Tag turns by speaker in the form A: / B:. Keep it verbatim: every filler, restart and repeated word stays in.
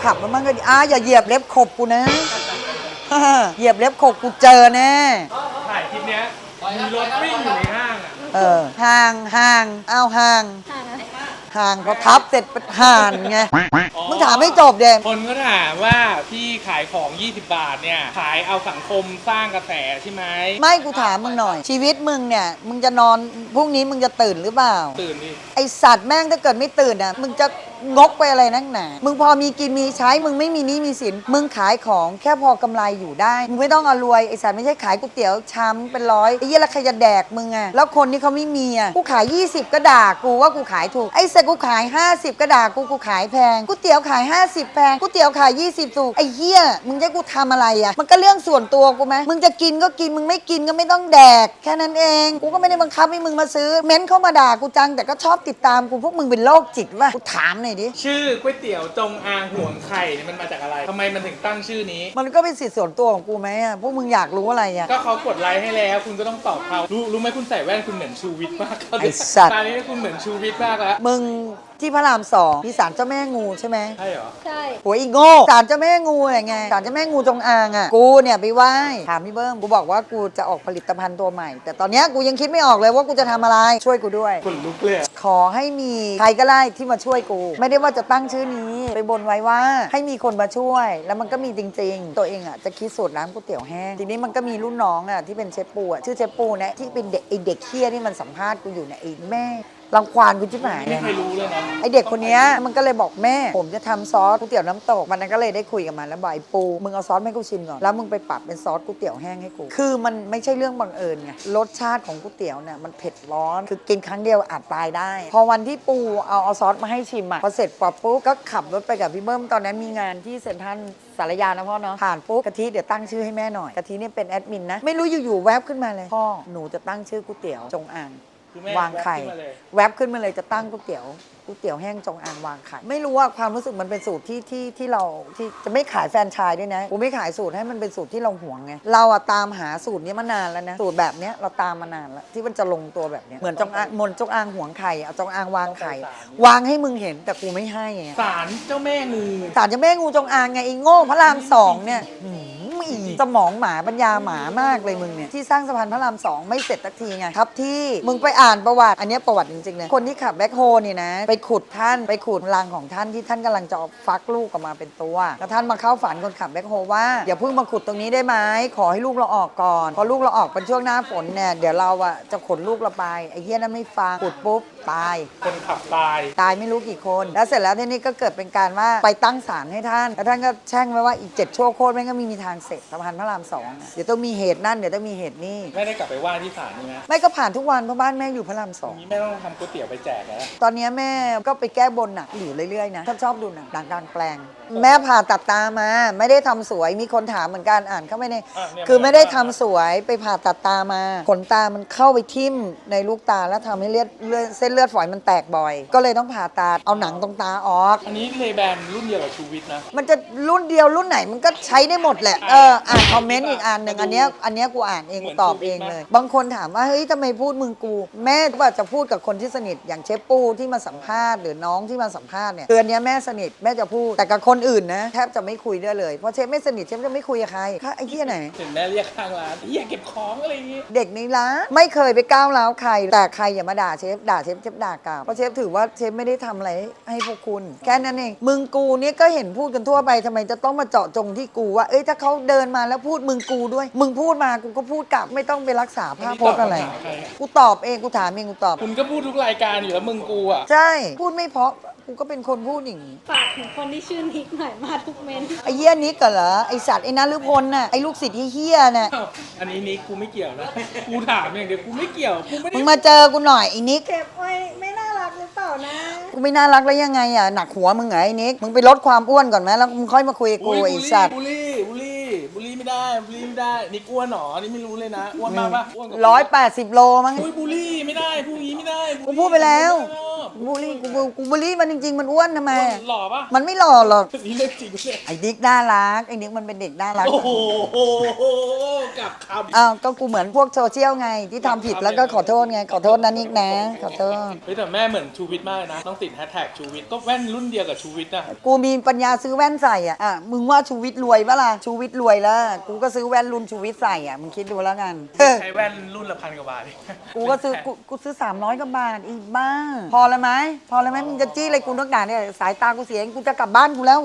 A: ขับมาบ้างก็ดีอ่ะอย่าเหยียบเล็บขบกูนะเหยียบเล็บขบกูเจอแน่
B: ถ่ายคลิปเนี้ยมีรถวิ่งอยู่ในห้างอ่ะ
A: เออห่างห่างเอาห่างห่างเขาทับเสร็จเป็นห่านไงมึงถามไม่จบเด็ก
B: คนก็ถามว่าพี่ขายของยี่สิบบาทเนี่ยขายเอาสังคมสร้างกระแสใช่ไหม
A: ไม่กูถามมึงหน่อยชีวิตมึงเนี่ยมึงจะนอนพรุ่งนี้มึงจะตื่นหรือเปล่า
B: ตื่นดิ
A: ไอสัตว์แม่งถ้าเกิดไม่ตื่นอ่ะมึงจะงกไปอะไรนักหนามึงพอมีกินมีใช้มึงไม่มีหนี้มีสินมึงขายของแค่พอกำไรอยู่ได้มึงไม่ต้องเอารวยไอสัตว์ไม่ใช่ขายก๋วยเตี๋ยวชามเป็นร้อยไอ้เหี้ยแล้วใครจะแดกมึงอ่ะแล้วคนที่เขาไม่มีอ่ะกูขายยี่สิบก็ด่ากูว่ากูขายถูกไอ้สัตว์กูขายห้าสิบก็ด่ากูกูขายแพงก๋วยเตี๋ยวขายห้าสิบแพงก๋วยเตี๋ยวขายยี่สิบถูกไอ้เหี้ยมึงจะกูทำอะไรอ่ะมันก็เรื่องส่วนตัวกูไหมมึงจะกินก็กินมึงไม่กินก็ไม่ต้องแดกแค่นั้นเองกูก็ไม่ได้บังคับให้มึงมาซื้อเม้นเข้ามาด่ากูจังแต่ก็ชอบติดตามกูพวกมึงเป็นโรคจิตป่ะกูถามหน่อยดิ
B: ชื่อก๋วยเตี๋ยวจงอางห่วงไข่เนี่ยมันมาจากอะไรทำไมมันถึงตั้งชื่อนี้
A: มันก็เป็นสิทธิส่วนตัวของกูไหมอ่ะพวกมึงอยากรู้อะไรอ่ะ
B: ก็เขากดไลค์ให้แล้วคุณก็ต้องตอบเขารู้รู้ไหมคุณใส่แว่นคุณเหมือนชูวิทย์มาก
A: ไอ้สัตว์
B: ตอนนี้คุณเหมือนชูวิทย์มากแล้ว
A: มึงที่พระรามสองมีศาลเจ้าแม่งูใช่ไหม
B: ใช่เหรอ
C: ใช่
A: โหอีโง่ศาลเจ้าแม่งูไงศาลเจ้าแม่งูจงอางอ่ะกูเนี่ยไปไหว้ถามพี่เบิ้มกูบอกว่ากูจะออกผลิตภัณฑ์ตัวใหม่แต่ตอนนี้กูยังคิดไม่ออกเลยว่ากูจะทำอะไรช่วยกูด้วย
B: คนลุกเลย
A: ขอให้มีใครก็ได้ที่มาช่วยกูไม่ได้ว่าจะตั้งชื่อนี้ไปบนไว้ว่าให้มีคนมาช่วยแล้วมันก็มีจริงๆตัวเองอ่ะจะคิดสูตรร้านก๋วยเตี๋ยวแห้งทีนี้มันก็มีรุ่นน้องอ่ะที่เป็นเชฟปูอ่ะชื่อเชฟปูเนี่ยที่เป็นเด็กไอเด็กเคี้ยที่มันสัมภาษณ์กูอยู่เนี่ยไอแม่รังควานกูชิบหาย
B: ไม่เคยรู้เลยนะ
A: ไอเด็กคนนี้มันก็เลยบอกแม่ผมจะทำซอสก๋วยเตี๋ยวน้ำตกมันนั้นก็เลยได้คุยกับมันแล้วบอกไอ้ปูมึงเอาซอสให้กูชิมก่อนแล้วมึงไปปรับเป็นซอสก๋วยเตี๋ยวแห้งให้กูคือมันไม่ใช่เรื่องบังเอิญไงรสชาติของก๋วยเตี๋ยวเนี่ยมันเผ็ดร้อนคือกินครั้งเดียวอาจตายได้พอวันที่ปูเอาเอาซอสมาให้ชิมอ่ะพอเสร็จปั๊บปุ๊บก็ขับรถไปกับพี่เบิ้มตอนนั้นมีงานที่เซ็นทรัลสารยานะพ่อเนาะผ่านปุ๊บกะทิเดี๋ยวตั้งชื่อให้แม่หน่อยกะทิเนี่ยเป็นแอดมินนะไม่รู้อยู่ๆแวบขึ้นมาเลยพ่อหนูจะตั้งชื่อก๋วยเตี๋ยวจงอางวางไข่แวบขึ้นมาเลยจะตั้งก๋วยเตี๋ยวก๋วยเตี๋ยวแห้งจงอางวางไข่ไม่รู้ว่าความรู้สึกมันเป็นสูตรที่ที่ที่เราที่จะไม่ขายแฟรนไชส์ด้วยนะกูไม่ขายสูตรให้มันเป็นสูตรที่เราหวงไงเราอะตามหาสูตรนี้มานานแล้วนะสูตรแบบเนี้ยเราตามมานานแล้วที่มันจะลงตัวแบบเนี้ยเหมือนจงอางมนจงอางหวงไข่เอาจงอางวางไข่วางให้มึงเห็นแต่กูไม่ให้ไง
B: ศาลเจ้าแม่งู
A: ศาลเจ้าแม่งูจงอางไงไอ้โง่พระรามสองเนี่ยสมองหมาปัญญาหมามากเลยมึงเนี่ยที่สร้างสะพานพระรามสองไม่เสร็จสักทีไงครับที่มึงไปอ่านประวัติอันนี้ประวัติจริงๆเลยคนที่ขับแบ็คโฮนี่นะไปขุดท่านไปขุดรังของท่านที่ท่านกำลังจะฟักลูกออกมาเป็นตัวแล้วท่านมาเข้าฝันคนขับแบ็คโฮว่าอย่าเพิ่งมาขุดตรงนี้ได้ไหมขอให้ลูกเราออกก่อนพอลูกเราออกเป็นช่วงหน้าฝนเนี่ยเดี๋ยวเราอะจะขนลูกเราไปไอ้เหี้ยนั้นไม่ฟังขุดปุ๊บตาย
B: คนขับตาย
A: ตายไม่รู้กี่คนแล้วเสร็จแล้วทีนี้ก็เกิดเป็นการว่าไปตั้งศาลให้ท่านแล้วท่านก็แช่งไว้ว่าอีกเจ็ดชั่วโคตรแม่งก็ไม่มีทางเสร็จสะพานพระรามสองเดี๋ยวต้องมีเหตุนั่นเดี๋ยวต้องมีเหตุนี่
B: ไม่ได้กลับไปไหว้ที่ศาลนี่นะ
A: ไม่ก็ผ่านทุกวันเพราะบ้านแม่อยู่พระรามสอง
B: นี้แม่ต้องทำก๋วยเตี๋ยวไปแจกแล้ว
A: ตอนนี้แม่ก็ไปแก้บนหนักอยู่เรื่อยๆนะชอบชอบดูหนังดังกลางแปลงแม่ผ่าตัดตามาไม่ได้ทำสวยมีคนถามเหมือนกันอ่านเข้าไปในคือไม่ได้ทำสวยไปผ่าตัดตามาขนตามันเข้าไปทิ่มในลูกตาแล้วทำให้เลือดเส้นเลือดฝอยมันแตกบ่อยก็เลยต้องผ่าตัดเอาหนังตรงตาออก
B: อันนี้เลแบนรุ่นเดียวกับชูวิทย์นะ
A: มันจะรุ่นเดียวรุ่นไหนมันก็ใช้ได้หมดแหละเอออ่านคอมเมนต์อีกอันหนึ่งอันเนี้ยอันเนี้ยกูอ่านเองกูตอบเองเลยบางคนถามว่าเฮ้ยทำไมพูดมึงกูแม่ว่าจะพูดกับคนที่สนิทอย่างเชฟปูที่มาสัมภาษณ์หรือน้องที่มาสัมภาษณ์เนี่ยเดือนนี้แม่สนิทแม่จะพูดแต่กับคนอื่นนะแทบจะไม่คุยด้วยเลยเพราะเชฟไม่สนิทเชฟจะไม่คุยกับใครไอ้เหี้ยไหน
B: เห็นแม่เรียกข้างร้านเหี้ยเก็บของอะไรอย่างงี้
A: เด็กในร้านไม่เคยไปก้าวร้าวใครแต่ใครอย่ามาด่าเชฟด่าเชฟเชฟด่ากลับเพราะเชฟถือว่าเชฟไม่ได้ทำอะไรให้พวกคุณแค่นั้นเองมึงกูเนี่ยก็เห็นพูดกันทั่วไปทำไมจะต้องมาเจาะจงที่กูว่าเอ้ยถ้าเขาเดินมาแล้วพูดมึงกูด้วยมึงพูดมากูก็พูดกลับไม่ต้องไปรักษาภาพพจน์อะไรกูตอบเองกูถามเองกูตอบ
B: คุณก็พูดทุกรายการอยู่แล้วมึงกูอ่ะ
A: ใช่พูดไม่เพราะกูก็เป็นคนพูดอย่างนี้
C: ฝากถึงคนที่ชื่อนิกหน่อยมาทุกเมน
A: ไอ้เหี้ยนิกเหรอไอ้สัตว์ไอ้นฤพลน่ะไอ้ลูกศิษย์เหี้ยน่ะ
B: อันนี้นิกกูไม่เกี่ยวนะกูถามอย่างเดียวกูไม่เกี่ยวกูไม่ได้
A: มึงมาเจอกูหน่อยไอ้นิก
C: เก็บไว้ไม่น่ารักหรือเปล่านะ
A: กูไม่น่ารักแล้วยังไงอ่ะหนักหัวมึงไงไอ้นิกมึงไปลดความอ้วนก่อนไหมแล้วมึงค่อยมาคุยกับกูไอ้สัตว์
B: บุลี่บุลี่บุลี่ไม่ได้บุลี่ไม่ได้นิกอ้วนหรอนี่ไม่รู้เลยนะอ้วนมากปะอ้วน
A: ร้อยแปดสิบโลมั้ง
B: บุลี่ไม่ได้พูดงี้ไม่ได้
A: กูพูดไปแล้วบูลลี่กูบูกูบูลลี่มันจริงๆมันอ้วนทำไม
B: หล่อปะ
A: มันไม่หล่อหรอก
B: นี่เรื่องจริงเลย
A: ไอ้ดิ๊กน่ารักไอ้ดิ๊กมันเป็นเด็กน่ารัก
B: โอ้โหกับคำ
A: อ้าวก็กูเหมือนพวกโซเชียลไงที่ทำผิดแล้วก็ขอโทษไงขอโทษนะนิกนะขอโทษ
B: เฮ้ยแต่แม่เหมือนชูวิทย์มากเลยนะ ต้องติดแฮชแท็กชูวิทย์ก็แว่นรุ่นเดียวกับชูวิทย์นะ
A: กูมีปัญญาซื้อแว่นใส่อ่ะอ่ะมึงว่าชูวิทย์รวยปะล่ะชูวิทย์รวยแล้วกูก็ซื้อแว่นรุ่นชูวิทย์ใส่อ่ะมึงคิดดูแล้วกันเออ
B: ใช้แว่นรุ่นละพันกว่าบาท
A: กูก็ซื้อกูกูซื้อสามร้อยกว่าบาทอีกบ้าพอเลยไหมพอเลยไหมมึงจะจี้อะไรกูนักหนาเนี่ยสายตากูเสียกูจะกลับบ้านกูแล้ว